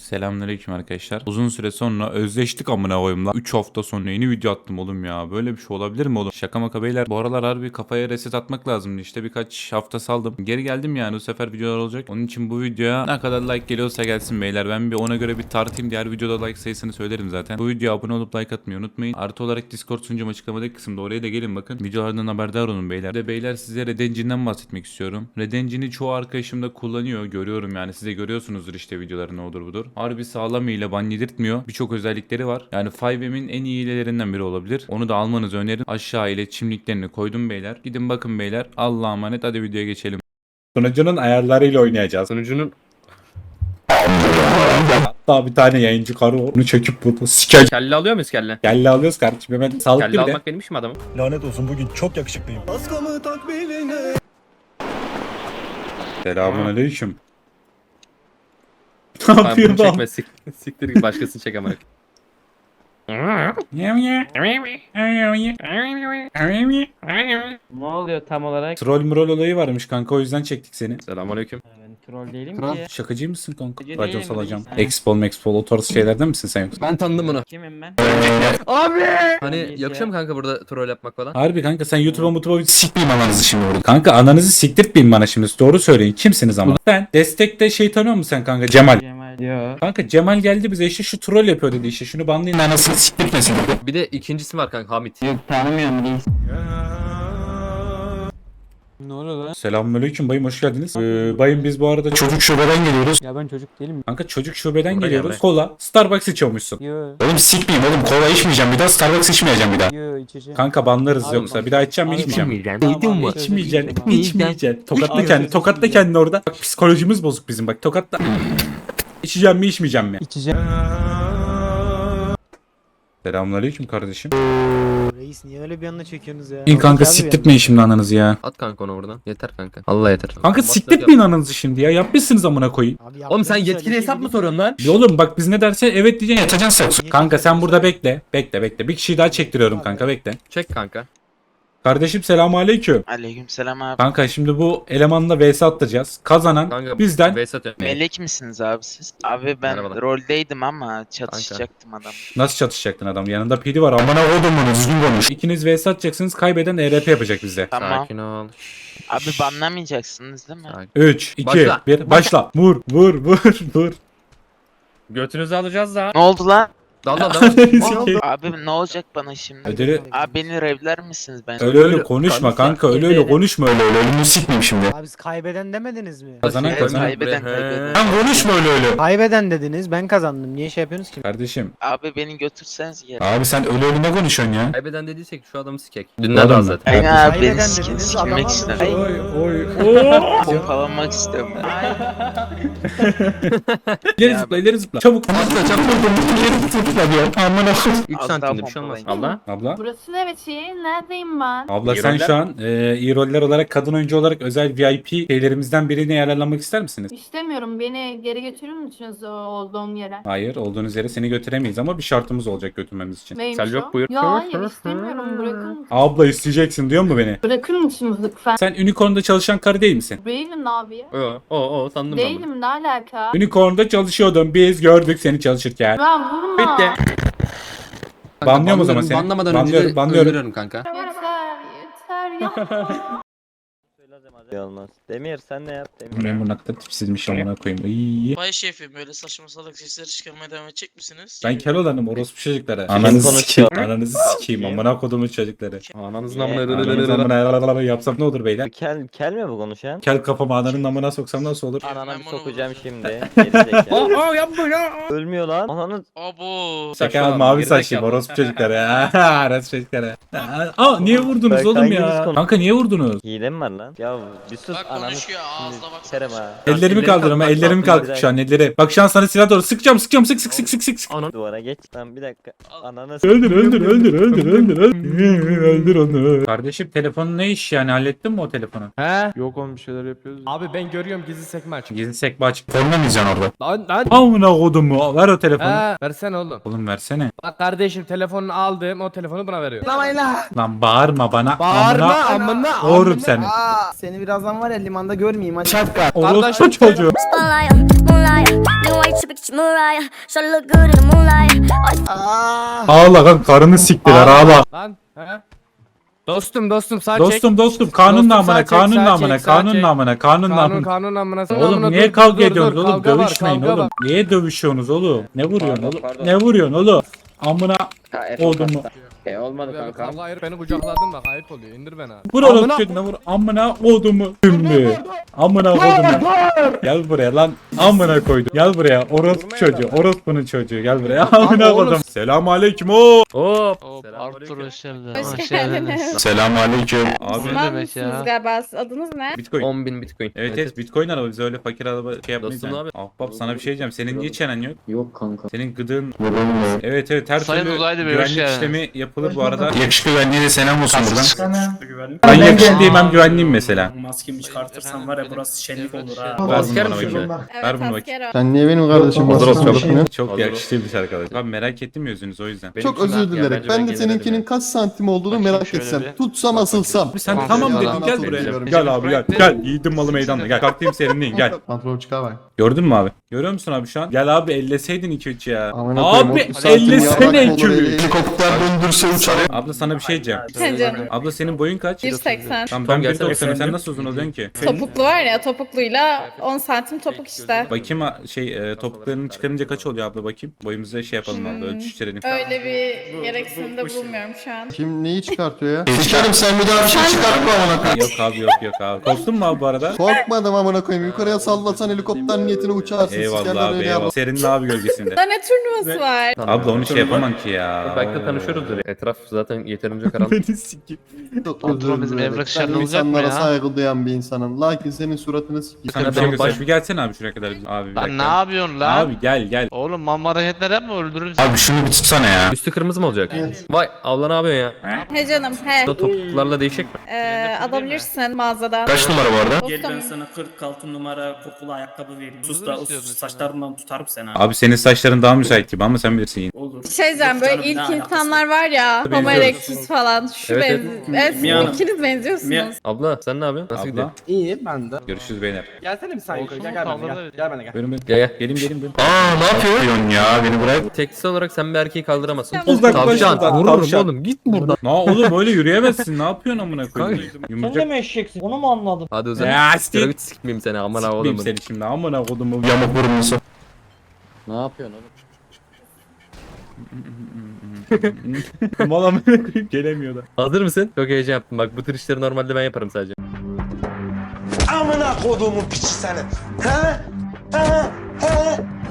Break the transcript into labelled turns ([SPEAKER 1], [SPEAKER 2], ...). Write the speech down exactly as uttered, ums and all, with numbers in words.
[SPEAKER 1] Selamünaleyküm arkadaşlar. Uzun süre sonra özleştik amına koyayım lan. üç hafta sonra yeni video attım oğlum ya. Böyle bir şey olabilir mi oğlum? Şaka maka beyler. Bu aralar harbi kafaya reset atmak lazımdı. İşte birkaç hafta saldım. Geri geldim yani, bu sefer videolar olacak. Onun için bu videoya ne kadar like geliyorsa gelsin beyler. Ben bir ona göre bir tartayım. Diğer videoda like sayısını söylerim zaten. Bu videoya abone olup like atmayı unutmayın. Artı olarak Discord sunucum açıklamadaki kısımda, oraya da gelin bakın. Videolardan haberdar olun beyler. Bir de beyler size Red Engine'den bahsetmek istiyorum. Red Engine'i çoğu arkadaşım da kullanıyor. Görüyorum yani, siz de görüyorsunuzdur işte videoları, ne olur budur. Harbi sağlam ile ban yedirtmiyor. Birçok özellikleri var. Yani beş M'in en iyi hilelerinden biri olabilir. Onu da almanızı öneririm. Aşağı iletişim linklerini koydum beyler. Gidin bakın beyler. Allah'a emanet. Hadi videoya geçelim. Sunucunun ayarlarıyla oynayacağız.
[SPEAKER 2] Sunucunun
[SPEAKER 1] Hatta bir tane yayıncı karı var. Onu çöküp burada sikeceğim.
[SPEAKER 2] kelle alıyor muyuz kelle?
[SPEAKER 1] Kelle alıyoruz kardeşim. Hemen sağlıklı
[SPEAKER 2] Kelle
[SPEAKER 1] bir de.
[SPEAKER 2] almak benim işim adamım.
[SPEAKER 3] Lanet olsun, bugün çok yakışıklıyım.
[SPEAKER 1] Selamun aleyküm. Ne
[SPEAKER 2] Tamam,
[SPEAKER 1] yapıyor
[SPEAKER 2] bunu
[SPEAKER 1] bu?
[SPEAKER 2] çekme, sik, siktir git başkasını çek ama.
[SPEAKER 4] Ne oluyor tam olarak?
[SPEAKER 1] Troll mrol olayı varmış kanka, o yüzden çektik seni.
[SPEAKER 2] Selamünaleyküm.
[SPEAKER 4] Ben troll değilim
[SPEAKER 2] Kral.
[SPEAKER 4] ki.
[SPEAKER 1] Şakacı mısın kanka?
[SPEAKER 4] Şakacı
[SPEAKER 1] Racon
[SPEAKER 4] değilim,
[SPEAKER 1] salacağım.
[SPEAKER 4] değilim.
[SPEAKER 1] Expol Mexpol o tarz şeylerden misin sen yoksa?
[SPEAKER 2] Ben tanıdım bunu.
[SPEAKER 4] Kimim ben?
[SPEAKER 2] Abi! Hani
[SPEAKER 4] Neyse.
[SPEAKER 2] yakışıyor mu kanka burada troll yapmak falan?
[SPEAKER 1] Harbi kanka, sen YouTube'a mutuba sikmeyeyim ananızı şimdi burada. Kanka ananızı siktirtmeyin bana şimdi. Doğru söyleyin. Kimsiniz ama? Ben destekte şey tanıyor musun sen kanka? Cemal.
[SPEAKER 4] Cemal. Yo.
[SPEAKER 1] Kanka Cemal geldi bize, işte şu troll yapıyor dedi, işte şunu banlayın anasını siktirtmesin dedi.
[SPEAKER 2] Bir de ikincisi var kanka, Hamit.
[SPEAKER 4] Yok tanımıyorum reis. Ne oluyor lan?
[SPEAKER 1] Selamünaleyküm bayım, hoş geldiniz. Ee, bayım biz bu arada çocuk şubeden geliyoruz.
[SPEAKER 4] Ya ben çocuk değilim.
[SPEAKER 1] Kanka çocuk şubeden
[SPEAKER 2] Buraya
[SPEAKER 1] geliyoruz.
[SPEAKER 2] gel be.
[SPEAKER 1] Kola, Starbucks içiyormuşsun.
[SPEAKER 4] Yo.
[SPEAKER 1] Oğlum sikmeyeyim oğlum, kola içmeyeceğim bir daha, Starbucks içmeyeceğim bir daha.
[SPEAKER 4] Yo içeceğim.
[SPEAKER 1] Kanka banlarız
[SPEAKER 4] Abi
[SPEAKER 1] yoksa
[SPEAKER 4] bak-
[SPEAKER 1] bir daha içeceğim mi
[SPEAKER 4] Abi
[SPEAKER 1] içmeyeceğim.
[SPEAKER 4] Tamam,
[SPEAKER 2] Duydun mu?
[SPEAKER 4] abi, özür
[SPEAKER 1] İçmeyeceksin,
[SPEAKER 4] dilerim abi.
[SPEAKER 1] içmeyeceksin. Tokatla
[SPEAKER 4] Abi,
[SPEAKER 1] kendini,
[SPEAKER 4] özür
[SPEAKER 1] tokatla
[SPEAKER 4] dilerim.
[SPEAKER 1] kendini orada. Bak psikolojimiz bozuk bizim, bak tokatla. İçeceğim mi içmeyeceğim mi?
[SPEAKER 4] İçeceğim.
[SPEAKER 1] Selamünaleyküm kardeşim.
[SPEAKER 5] Reis niye öyle bir anda çekiyorsunuz ya?
[SPEAKER 1] İn kanka,
[SPEAKER 5] Abi
[SPEAKER 1] siktirtmeyin şimdi ananızı ya.
[SPEAKER 2] At kanka onu buradan. Yeter kanka. Allah yeter.
[SPEAKER 1] Kanka siktirtmeyin ananızı şimdi ya. Yapmışsınız amına koyayım.
[SPEAKER 5] Abi
[SPEAKER 2] Oğlum sen
[SPEAKER 5] yaptığınız
[SPEAKER 2] yetkili
[SPEAKER 5] söylediği
[SPEAKER 2] hesap mı
[SPEAKER 5] gibi-
[SPEAKER 2] soruyorsun lan?
[SPEAKER 1] Ya oğlum bak, biz ne derse evet diyeceksin, yatacaksın sen. Kanka sen burada bekle. Bekle bekle. Bir kişiyi daha çektiriyorum kanka, bekle.
[SPEAKER 2] Çek kanka.
[SPEAKER 1] Kardeşim selamünaleyküm.
[SPEAKER 6] Aleykümselam abi.
[SPEAKER 1] Kanka şimdi bu elemanla vs atacağız. Kazanan
[SPEAKER 2] Kanka
[SPEAKER 1] bizden.
[SPEAKER 2] Veysat ya.
[SPEAKER 6] Melek misiniz abi siz? Abi ben
[SPEAKER 2] Merhabalar.
[SPEAKER 6] roldeydim ama çatışacaktım adam.
[SPEAKER 1] Nasıl çatışacaktın adam? Yanında P D var. Amına oğlum bunu düzgün konuş. İkiniz vs atacaksınız. Kaybeden E R P yapacak bizde.
[SPEAKER 6] Tamam.
[SPEAKER 2] Sakin ol.
[SPEAKER 6] Abi banlamayacaksınız değil mi?
[SPEAKER 2] Sakin.
[SPEAKER 1] üç, iki,
[SPEAKER 2] Başla.
[SPEAKER 1] bir. Başla. Vur, vur, vur, vur.
[SPEAKER 2] Götünüzü alacağız da.
[SPEAKER 6] Ne oldu lan?
[SPEAKER 2] Dal dal dal.
[SPEAKER 1] Sikeyim.
[SPEAKER 6] Abi ne olacak bana şimdi?
[SPEAKER 1] Ödülü-
[SPEAKER 6] Abi beni revler misiniz ben?
[SPEAKER 1] Öyle öyle
[SPEAKER 2] Öyle-
[SPEAKER 1] konuşma
[SPEAKER 2] kanka,
[SPEAKER 1] kanka. Öyle öyle
[SPEAKER 2] ellerini-
[SPEAKER 1] konuşma öyle öyle. Ölümünü sikmeyeyim şimdi.
[SPEAKER 5] Abi siz kaybeden demediniz mi?
[SPEAKER 1] Kazanan
[SPEAKER 6] Evet,
[SPEAKER 1] kazanan.
[SPEAKER 6] kaybeden
[SPEAKER 2] Buraya-
[SPEAKER 6] kaybeden.
[SPEAKER 1] Lan konuşma öyle öyle.
[SPEAKER 5] Kaybeden dediniz, ben kazandım. Niye şey yapıyorsunuz ki?
[SPEAKER 1] Kardeşim.
[SPEAKER 6] Abi beni götürseniz geri.
[SPEAKER 1] Abi sen öyle öyle ne konuşuyorsun ya?
[SPEAKER 2] Kaybeden dediysek şu adamı sikek. Dünden
[SPEAKER 1] Adam
[SPEAKER 2] daha
[SPEAKER 1] mı?
[SPEAKER 2] zaten.
[SPEAKER 6] Aynen abi
[SPEAKER 5] Kaybeden
[SPEAKER 6] beni sikin,
[SPEAKER 5] dediniz,
[SPEAKER 6] sikilmek
[SPEAKER 5] adama
[SPEAKER 6] istedim.
[SPEAKER 1] Oy oy oy.
[SPEAKER 6] Pompalamak istiyorum.
[SPEAKER 1] İleri
[SPEAKER 6] Ya
[SPEAKER 1] zıpla, ileri zıpla. Çabuk. Atla çabuk. İleri zıpla diyor. Amına koyayım.
[SPEAKER 2] üç
[SPEAKER 6] Az
[SPEAKER 2] santimde
[SPEAKER 6] daha
[SPEAKER 2] bir şey olmaz.
[SPEAKER 6] pompalayın.
[SPEAKER 2] Allah.
[SPEAKER 1] Abla.
[SPEAKER 7] Burası neresi? Neredeyim ben?
[SPEAKER 1] Abla
[SPEAKER 2] İyi
[SPEAKER 1] sen
[SPEAKER 2] roller.
[SPEAKER 1] şu an e, iyi roller olarak, kadın oyuncu olarak özel V I P şeylerimizden birine yararlanmak ister misiniz?
[SPEAKER 7] İstemiyorum. Beni geri götürür müsünüz o olduğum yere?
[SPEAKER 1] Hayır, olduğunuz yere seni götüremeyiz ama bir şartımız olacak götürmemiz için.
[SPEAKER 7] Neymiş
[SPEAKER 2] Selçuk,
[SPEAKER 7] o?
[SPEAKER 2] buyur.
[SPEAKER 7] Ya hayır istemiyorum. Bırakır mısınız?
[SPEAKER 1] Abla isteyeceksin diyor mu beni?
[SPEAKER 7] Bırakır mısınız lütfen?
[SPEAKER 1] Sen Unicorn'da çalışan karı değil misin?
[SPEAKER 7] Değilim abi ya.
[SPEAKER 2] O o o sandım ben bunu.
[SPEAKER 7] Değilim, ne alaka?
[SPEAKER 1] Unicorn'da çalışıyordun, biz gördük seni çalışırken.
[SPEAKER 7] Ben vurma.
[SPEAKER 2] Bitti.
[SPEAKER 1] Banlıyorum o zaman
[SPEAKER 2] banlıyorum,
[SPEAKER 1] seni.
[SPEAKER 2] Banlamadan
[SPEAKER 1] Banlıyorum,
[SPEAKER 2] önce de
[SPEAKER 1] banlıyorum.
[SPEAKER 2] öldürüyorum kanka.
[SPEAKER 7] Yeter yeter yapma.
[SPEAKER 8] Olmaz. Demir sen ne yap? Demir.
[SPEAKER 1] Ben bu nakta tipsizmiş amına koyayım. İyi.
[SPEAKER 9] Bay şefim, böyle saçma salak sesler çıkarmaya devam edecek misiniz?
[SPEAKER 1] Ben Keloğlan'ım, orospu çocuklara.
[SPEAKER 8] Kim
[SPEAKER 1] Ananızı
[SPEAKER 8] konuşuyor?
[SPEAKER 1] sikeyim, ananızı sikeyim,
[SPEAKER 8] Kim?
[SPEAKER 1] amına kodumun çocukları.
[SPEAKER 2] Ananızın
[SPEAKER 8] Ne?
[SPEAKER 2] amına
[SPEAKER 1] Ananızı amına yapsam ne olur beyler?
[SPEAKER 8] Kel, kel mi bu konuşan?
[SPEAKER 1] Kel kafamı ananın amına soksam nasıl olur?
[SPEAKER 8] Ananı
[SPEAKER 9] Ben
[SPEAKER 8] bir
[SPEAKER 9] bunu
[SPEAKER 8] sokacağım
[SPEAKER 9] vuracağım.
[SPEAKER 8] şimdi. Gerizekalı.
[SPEAKER 2] Aa yapma ya.
[SPEAKER 8] Ölmüyor lan. Ananı
[SPEAKER 9] Abo.
[SPEAKER 1] Sakal mavi saçlıyım, orospu çocuklara. Orospu çocuklara. Aa niye vurdunuz
[SPEAKER 8] Bak,
[SPEAKER 1] oğlum
[SPEAKER 8] hanginiz
[SPEAKER 1] ya?
[SPEAKER 8] konu-
[SPEAKER 1] Kanka niye vurdunuz?
[SPEAKER 8] hile mi var lan? Ya bir sus
[SPEAKER 9] Bak
[SPEAKER 8] ananı
[SPEAKER 9] konuşuyor, ağzına
[SPEAKER 8] şimdi
[SPEAKER 9] bak.
[SPEAKER 8] sikerim ha.
[SPEAKER 1] Ellerimi
[SPEAKER 2] elleri
[SPEAKER 1] kaldırıyorum,
[SPEAKER 2] kalk,
[SPEAKER 1] ellerimi
[SPEAKER 2] kalk,
[SPEAKER 1] kalk şu an, elleri. Bak şu an sana silah doğru sıkacağım, sıkacağım, sık sık sık sık sık sık.
[SPEAKER 2] Anan.
[SPEAKER 8] Duvara geç. Lan bir dakika. Ananı
[SPEAKER 1] Öldür, öldür, öldür, öldür, öldür, öldür. Öldür onu. Kardeşim telefonun ne iş yani, hallettin mi o telefonu?
[SPEAKER 4] He?
[SPEAKER 3] Yok oğlum, bir şeyler yapıyoruz.
[SPEAKER 4] Abi ben görüyorum gizli sekme aç.
[SPEAKER 1] Gizli sekme açık. Porno mu izliyorsun orada?
[SPEAKER 4] Lan lan.
[SPEAKER 1] Amına kodumu, ver o telefonu.
[SPEAKER 4] He versene oğlum.
[SPEAKER 1] Oğlum versene.
[SPEAKER 4] Bak kardeşim telefonunu aldım, o telefonu buna veriyor.
[SPEAKER 1] Lan bağırma bana.
[SPEAKER 4] Bağırma
[SPEAKER 1] Amına
[SPEAKER 4] amına.
[SPEAKER 1] Doğurum
[SPEAKER 4] amına.
[SPEAKER 1] seni.
[SPEAKER 4] Aa,
[SPEAKER 5] Seni birazdan var ya limanda görmeyeyim hadi.
[SPEAKER 4] Şapka.
[SPEAKER 1] Orospu
[SPEAKER 4] Kardeşim
[SPEAKER 1] çocuğu.
[SPEAKER 10] Spotlight, moonlight, new age to picture Mariah. Shawty look good in the moonlight.
[SPEAKER 1] Ağla kan karını siktiler ağla.
[SPEAKER 4] Lan he? Dostum dostum sağ çek.
[SPEAKER 1] Dostum dostum kanun
[SPEAKER 4] Dostum,
[SPEAKER 1] namına
[SPEAKER 4] sağ çek,
[SPEAKER 1] kanun
[SPEAKER 4] sağ
[SPEAKER 1] namına
[SPEAKER 4] çek, sağ
[SPEAKER 1] kanun
[SPEAKER 4] çek.
[SPEAKER 1] namına kanun
[SPEAKER 4] Kanun
[SPEAKER 1] namına.
[SPEAKER 4] kanun amına.
[SPEAKER 1] Oğlum niye kavga ediyorsunuz oğlum? Dövüşmeyin oğlum. Niye dövüşüyorsunuz oğlum? Ne vuruyorsun
[SPEAKER 8] Pardon,
[SPEAKER 1] oğlum?
[SPEAKER 8] pardon.
[SPEAKER 1] Ne vuruyorsun oğlum? Amına
[SPEAKER 8] Ha, Efe
[SPEAKER 1] oğlum mu?
[SPEAKER 8] kasta. E olmadı kanka.
[SPEAKER 4] Kavga ayır beni kucakladın bak ayıp oluyor. İndir beni abi.
[SPEAKER 1] Vur oğlum çocuğuna vur. Amına odumu. Tümbü. Amına odumu. Gel buraya lan. Amına koydum. Gel buraya. Orospu çocuğu. Orospunun çocuğu. Gel buraya. Amına
[SPEAKER 4] oğlum.
[SPEAKER 1] koydum. Selamun aleyküm o.
[SPEAKER 2] Hop.
[SPEAKER 9] Arthur hoş geldin.
[SPEAKER 11] Hoş geldiniz.
[SPEAKER 1] Selamun aleyküm. Abi
[SPEAKER 11] Müslüman mısınız galiba? Adınız ne?
[SPEAKER 1] Bitcoin.
[SPEAKER 2] on bin bitcoin.
[SPEAKER 1] Evet evet Bitcoin araba biz öyle fakir araba şey yapmayız
[SPEAKER 2] Dostum
[SPEAKER 1] yani.
[SPEAKER 2] abi.
[SPEAKER 1] Ahbap sana bir şey diyeceğim. Senin niye çenen yok?
[SPEAKER 8] Yok kanka.
[SPEAKER 1] Senin gıdığın. Evet evet her
[SPEAKER 9] Sayın
[SPEAKER 1] türlü
[SPEAKER 9] Uzaylı Bey, hoş
[SPEAKER 1] güvenlik
[SPEAKER 9] geldiniz.
[SPEAKER 1] işlemi yapılır bu arada. Yakışıklı güvenliğe de selam olsun buradan.
[SPEAKER 3] Güvenlik.
[SPEAKER 1] Ben yakışıklıyım hem güvenliyim mesela.
[SPEAKER 3] Maskemi çıkartırsam var ya burası şenlik olur ha.
[SPEAKER 1] Ver bunu
[SPEAKER 2] Asker
[SPEAKER 1] bana
[SPEAKER 2] misin
[SPEAKER 1] bakayım.
[SPEAKER 11] Evet,
[SPEAKER 1] Ver bunu bakayım.
[SPEAKER 11] asker o.
[SPEAKER 8] Sen niye benim kardeşim
[SPEAKER 2] Hazır ol çabuk.
[SPEAKER 1] Çok
[SPEAKER 2] Hazır ol.
[SPEAKER 1] yakışıklıymış arkadaş. Abi merak ettim yüzünüz o yüzden.
[SPEAKER 2] Benim için rahat ya, bence ben gelirim ya.
[SPEAKER 8] kaç santim olduğunu
[SPEAKER 9] merak şöyle etsem. bir.
[SPEAKER 8] Tutsam asılsam.
[SPEAKER 1] Abi sen
[SPEAKER 9] Tamam,
[SPEAKER 1] tamam
[SPEAKER 9] tamam,
[SPEAKER 1] dedin gel
[SPEAKER 2] tamam.
[SPEAKER 1] buraya.
[SPEAKER 2] Tamam.
[SPEAKER 1] Gel abi gel. Gel yiğidim malı meydanda gel. Kalktayım serinleyin gel.
[SPEAKER 8] Pantolon çıkar bak.
[SPEAKER 1] Gördün mü abi? Görüyor musun abi şu an? Gel abi elleseydin iki üç ya.
[SPEAKER 8] Amına koyayım,
[SPEAKER 1] Abi
[SPEAKER 8] otuz santim
[SPEAKER 1] ellesene
[SPEAKER 8] yaprak
[SPEAKER 1] iki
[SPEAKER 8] olur,
[SPEAKER 1] üç.
[SPEAKER 8] helikopter döndürse uçar.
[SPEAKER 1] Abla sana bir şey diyeceğim.
[SPEAKER 11] He canım.
[SPEAKER 1] Abla senin boyun kaç?
[SPEAKER 11] bir seksen.
[SPEAKER 1] Tamam
[SPEAKER 2] Tom
[SPEAKER 1] ben bir
[SPEAKER 2] gelsene
[SPEAKER 1] doksanım sen
[SPEAKER 2] efendim.
[SPEAKER 1] nasıl uzun oluyorsun ki?
[SPEAKER 11] Topuklu var ya topukluyla on santim topuk işte.
[SPEAKER 1] Bakayım ha- şey e, topuklarını çıkarınca kaç oluyor abla bakayım. Boyumuzu şey yapalım abla ölçüştürelim.
[SPEAKER 11] Öyle bir gereksinimde bulunmuyorum şu an.
[SPEAKER 8] Kim neyi çıkartıyor ya? Sikerim sen bir daha bir şey çıkartma amına koyayım.
[SPEAKER 1] Yok abi yok yok abi. Korktun mu abi bu arada?
[SPEAKER 8] Korkmadım amına koyayım. Yukarıya sallasan helikopter niyetine uçarsın.
[SPEAKER 1] Eyvallah
[SPEAKER 8] sikerler
[SPEAKER 1] abi
[SPEAKER 8] öyle
[SPEAKER 1] eyvallah.
[SPEAKER 8] yapar.
[SPEAKER 1] Senin abi gölgesinde.
[SPEAKER 11] Da ne turnuvası var?
[SPEAKER 1] Abla onu şey yapamam ki ya.
[SPEAKER 2] Belki de tanışıyoruzdur. Etraf zaten yeterince karanlık.
[SPEAKER 1] Beni sikeyim.
[SPEAKER 8] Çok
[SPEAKER 9] Patron
[SPEAKER 8] özür
[SPEAKER 9] bizim
[SPEAKER 8] dilerim.
[SPEAKER 9] evrak
[SPEAKER 8] Ben
[SPEAKER 9] işlerinde olacak mı
[SPEAKER 8] insanlara
[SPEAKER 9] ya?
[SPEAKER 8] saygı duyan bir insanım. Lakin senin suratını sikeyim.
[SPEAKER 1] Sana bir
[SPEAKER 2] Ben
[SPEAKER 1] şey göster.
[SPEAKER 2] baş-
[SPEAKER 1] Bir gelsene abi şuraya kadar. bizim- Abi bir
[SPEAKER 9] Lan ne
[SPEAKER 1] dakika.
[SPEAKER 9] yapıyorsun lan?
[SPEAKER 1] Abi gel gel.
[SPEAKER 9] Oğlum mamma hareketler yapma öldürürüm seni.
[SPEAKER 1] Abi şunu bir tutsana ya.
[SPEAKER 2] Üstü kırmızı mı olacak? Vay abla ne yapıyorsun ya?
[SPEAKER 11] He canım he.
[SPEAKER 2] Bu da topuklarla değişik mi?
[SPEAKER 11] Ee, alabilirsin mağazadan.
[SPEAKER 1] Kaç numara bu arada?
[SPEAKER 3] Gel ben
[SPEAKER 11] Dostum.
[SPEAKER 3] sana kırk altı numara kokulu ayakkabı vereyim. Sus
[SPEAKER 9] Bunu
[SPEAKER 3] da
[SPEAKER 9] mu
[SPEAKER 3] o
[SPEAKER 9] istiyorsun sen?
[SPEAKER 3] saçlarından tutarım seni ha.
[SPEAKER 1] Abi senin saçların daha müsait gibi ama sen bilirsin yine.
[SPEAKER 3] Olur.
[SPEAKER 11] Şey diyeceğim
[SPEAKER 3] Yok
[SPEAKER 11] böyle
[SPEAKER 3] canım, ne
[SPEAKER 11] ilk
[SPEAKER 3] alakası
[SPEAKER 11] insanlar var ya. Homo
[SPEAKER 1] Benziyoruz.
[SPEAKER 11] erectus falan. Şu
[SPEAKER 2] Evet,
[SPEAKER 11] benzi. Evet,
[SPEAKER 3] Mia Hanım.
[SPEAKER 11] ikiniz benziyorsunuz.
[SPEAKER 3] Mia-
[SPEAKER 2] Abla sen ne yapıyorsun? Nasıl gidiyor?
[SPEAKER 1] Abla.
[SPEAKER 4] İyi ben de.
[SPEAKER 1] Görüşürüz beyler.
[SPEAKER 4] Gelsene bir saniye
[SPEAKER 9] Olsun
[SPEAKER 4] yukarı
[SPEAKER 9] mu?
[SPEAKER 4] gel gel bana
[SPEAKER 9] Kavga
[SPEAKER 4] gel.
[SPEAKER 9] da-
[SPEAKER 4] Gel bana gel.
[SPEAKER 1] Buyurun buyurun.
[SPEAKER 2] Gel gel.
[SPEAKER 1] Gelin gelin buyurun. Aa ne yapıyorsun ya beni bırak.
[SPEAKER 2] Tekstil olarak sen bir erkeği kaldıramazsın.
[SPEAKER 1] Uzaklaş
[SPEAKER 2] Tavşan.
[SPEAKER 1] buradan,
[SPEAKER 2] Vururum
[SPEAKER 1] tavşan.
[SPEAKER 2] oğlum git buradan.
[SPEAKER 1] Ne oğlum öyle yürüyemezsin. Ne yapıyorsun amına koyayım?
[SPEAKER 2] Kanka.
[SPEAKER 1] Yumurcak.
[SPEAKER 3] mi eşeksin? Onu mu anladın?
[SPEAKER 2] Hadi uzan.
[SPEAKER 1] Ya
[SPEAKER 2] Şöyle
[SPEAKER 1] siktir.
[SPEAKER 2] bir sikmeyeyim seni aman ha
[SPEAKER 1] Sikmeyeyim
[SPEAKER 2] oğlum.
[SPEAKER 1] seni şimdi amına kodumu yamuk burunlusu.
[SPEAKER 8] Ne yapıyorsun oğlum?
[SPEAKER 1] Mal amına koyayım gelemiyor da.
[SPEAKER 2] Hazır mısın? Çok heyecan yaptım bak bu tür işleri normalde ben yaparım sadece.
[SPEAKER 3] Amına koduğumun piçi seni. He? He? He?